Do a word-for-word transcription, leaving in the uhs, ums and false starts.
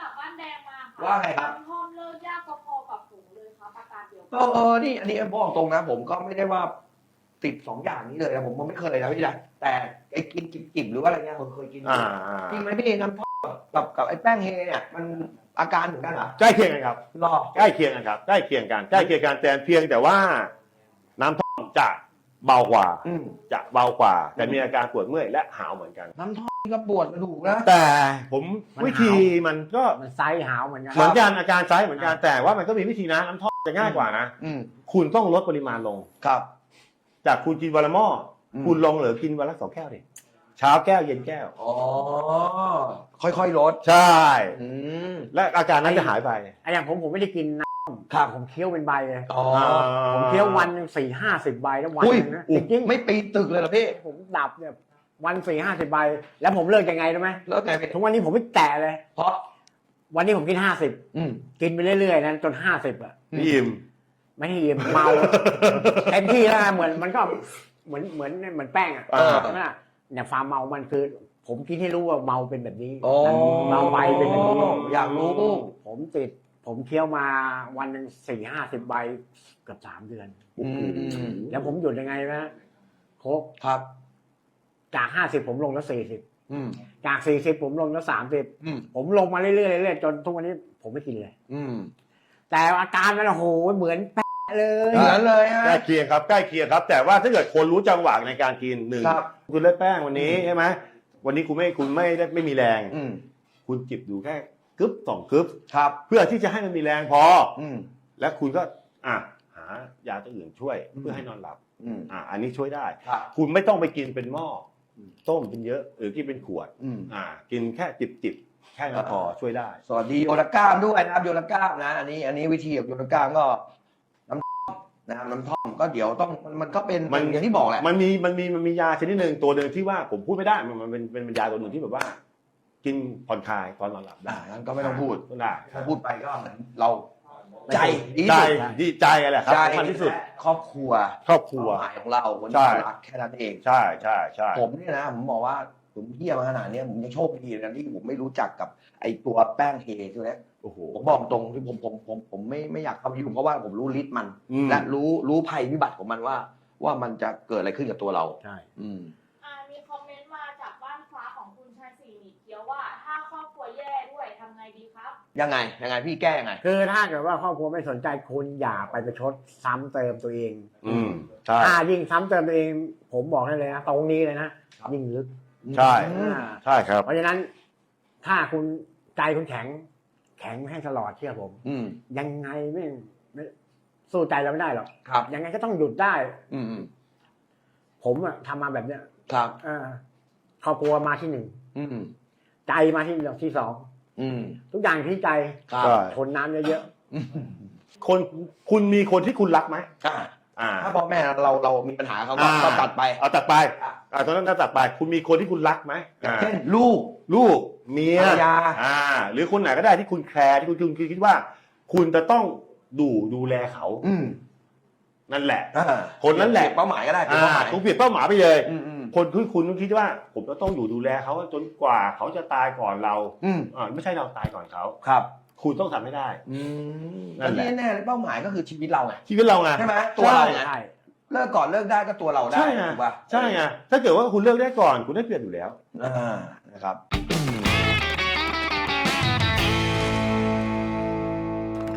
จากบ้านแดงมาค่ะว่าไงครับทอมเลิกยากพอๆกับฝูงเลยครับอาการเดียวเออเออนี่อันนี้บอกตรงนะ ผมก็ไม่ได้ว่าติดสองอย่างนี้เลยนะผมไม่เคยนะพี่นะแต่ไอ้กินจิบๆหรือว่าอะไรเงี้ยผมเคยกินอ่าจริงไหมพี่น้ำทอดกับกับไอ้แป้งเฮเนี่ยมันอาการเหมือนกันเหรอใกล้เคียงกันครับรอใกล้เคียงกันครับใกล้เคียงกันใกล้เคียงกันแต่เพียงแต่ว่าน้ำท่อมจะเบากว่าอืมจะเบากว่า แต่มีอาการปวดเมื่อยและหาวเหมือนกันน้ำทอดนี่ก็ปวดกระดูกนะแต่ผมมันวิธีมันก็มันไซส์หาวเหมือนกันเหมือนกันอาการไซส์เหมือนกันแต่ว่ามันก็มีวิธีนะน้ำท่อมจะง่ายกว่านะอืมคุณต้องลดปริมาณลงครับจากคุณกินวันละหม้ออมคุณลงเหลือกินวันละสองแก้วดิเช้าแก้วเย็นแก้วอ๋อค่อยๆลดใช่อืมและอาการนั้นจะหายไปไอ้อย่างผมผมไม่ได้กินน้ครับำผมเคี้ยวเป็นใบเลยอ๋อผมเคี้ยววันหนึ่งสี่ห้าสิบใบแล้ววันอุ้ยหนึงนะจริงๆไม่ปีนตึกเลยเหรอพี่ผมดับเนี่ยวันสี่ห้าสิบใบ แล้วผมเลิกยังไงรู้ไหมแล้วไงพี่ทุกวันนี้ผมไม่แตะเลยเพราะวันนี้ผมกินห้าสิบอืมกินไปเรื่อยๆนั้นจนห้าสิบอ่ะอืมพี่อิมไม่ให้อิ่มเมา เต็มที่แล้วนะเหมือนมันก็เหมือนเหมือนเหมือนแป้งอ่ะเออใช่ไหมล่ะเนี่ยความเมามันคือ ผมคิดให้รู้ว่าเมาเป็นแบบนี้โอ้เมาใบเป็นแบบนี้อยากรู้ผมติด ผมเคี้ยวมาวันหนึ่งสี่ห้าสิบใบเกือบสามเดือนอืมแล้วผมหยุดยังไงนะโคกครับจากห้าสิบผมลงแล้วสี่สิบอืมจากสี่สิบผมลงแล้วสามสิบอืมผมลงมาเรื่อยๆเรื่อยๆจนทุกวันนี้ผมไม่กินเลยอืมแต่อาการมันโอ้โหเหมือนแปะเลยเหมือนเลยฮะใกล้เคียงครับใกล้เคียงครับ แต่ว่าถ้าเกิดคนรู้จังหวะในการกินหนึ่งครับคุณเลิกแป้งวันนี้ใช่ไหมวันนี้คุณไม่คุณไม่ได้ไม่มีแรงอืมคุณจิบดูแค่กึ๊บสองกึ๊บครับเพื่อที่จะให้มันมีแรงพออืมและคุณก็อ่ะหายาตัวอื่นช่วยอืมเพื่อให้นอนหลับอืมอ่ะอันนี้ช่วยได้ครับคุณไม่ต้องไปกินเป็นหม้ออมต้มเป็นเยอะหรือกินเป็นขวดอืมอ่า กินแค่จิบจิบๆแค่นั้นพอช่วยได้สวัสดีโยนก้ามด้วยนะครับโยนก้ามนะ อันนี้ อันนี้วิธีกับโยนก้ามก็น้ำท่อมนะครับน้ำท่อมก็เดี๋ยวต้องมันมันก็เป็นมันอย่างที่บอกแหละมันมีมันมีมันมียาชนิดหนึ่งตัวหนึ่งที่ว่าผมพูดไม่ได้มันมันเป็นเป็นยาตัวหนึ่งที่แบบว่า กินผ่อนคลายตอนนอนหลับได้อ่างั้นก็ไม่ต้องพูดได้ถ้าพูดไปก็เหมือนเราใจดีใจที่สุดดีใจอะไรครับใจสำคัญที่สุดและครอบครัวครอบครัวเป้าหมายของเราคนใช่ที่เรารักแค่นั้นเองใช่ใช่ใช่ผมเนี่ยนะผมบอกว่าผมเที่ยมาขนาดเนี้ยผมยังโชคดีนะที่ผมไม่รู้จักกับไอตัวแป้งเฮตัวเนี้ยโอ้โหผมบอกตรงที่ผมผมผมผมไม่ไม่อยากเข้าไปยุ่งเพราะว่าผมรู้ฤทธิ์มันอืมและรู้รู้ภัยพิบัติของมันว่า ว่ามันจะเกิดอะไรขึ้นกับตัวเราใช่อืมอ่ามีคอมเมนต์มาจากบ้านฟ้าของคุณชายศรีหมีเกียวว่า ถ้าครอบครัวแย่ด้วยทำไงดีครับยังไงยังไงพี่แก้ยังไงคือถ้าเกิดว่าครอบครัวไม่สนใจคุณอย่าไปประชดซ้ำเติมตัวเองอืมใช่ถ้ายิ่งซ้ำเติมตัวเอง ผมบอกให้เลยนะตรงนี้เลยนะยิ่งลึกใช่อืมใช่ครับเพราะฉะนั้นถ้าคุณใจคุณแข็ง แข็งให้ตลอดเชื่อผมอืมยังไงไม่ไม่สู้ใจเราไม่ได้หรอกครับยังไงก็ต้องหยุดได้อืมอืมผมอะทำมาแบบเนี้ยครับเออครอบครัวมาที่หนึ่งอืมใจมาที่ที่สองอืมทุกอย่างที่ใจครับใช่ทนน้ำเยอะอืมคนคุณมีคนที่คุณรักไหมอ่าอ่าถ้าพ่อแม่เราเรามีปัญหาเขาก็อ่าก็ตัดไปเอาตัดไปอ่าตอนนั้นถ้าตัดไป คุณมีคนที่คุณรักไหมอย่างอ่าเช่นลูกลูกเมียภรรยาอ่า หรือคนไหนก็ได้ที่คุณแคร์ที่คุณคุณคิดว่า คุณจะต้องดูดูแลเขาอืมนั่นแหละอ่าคนนั้นแหละเป้าหมายก็ได้เป็นอ่าเป้าหมายคุณเปลี่ยนเป้าหมายไปเลยอืมอืมคนที่คุณต้องคิดว่า ผมจะต้องอยู่ดูแลเขาจนกว่าเขาจะตายก่อนเราอืมอ่าไม่ใช่เราตายก่อนเขาครับคุณต้องทำให้ได้อืมนั่นแหละที่แน่ๆเลยเป้าหมายก็คือชีวิตเราไงชีวิตเราไงใช่ไหมตัวเราๆไงใช่เลิกก่อนเลิกได้ก็ตัวเราได้ใช่ไงถูกป่ะใช่ไงถ้าเกิดว่าคุณเลือกได้ก่อน คุณได้เปรียบอยู่แล้วอ่านะครับ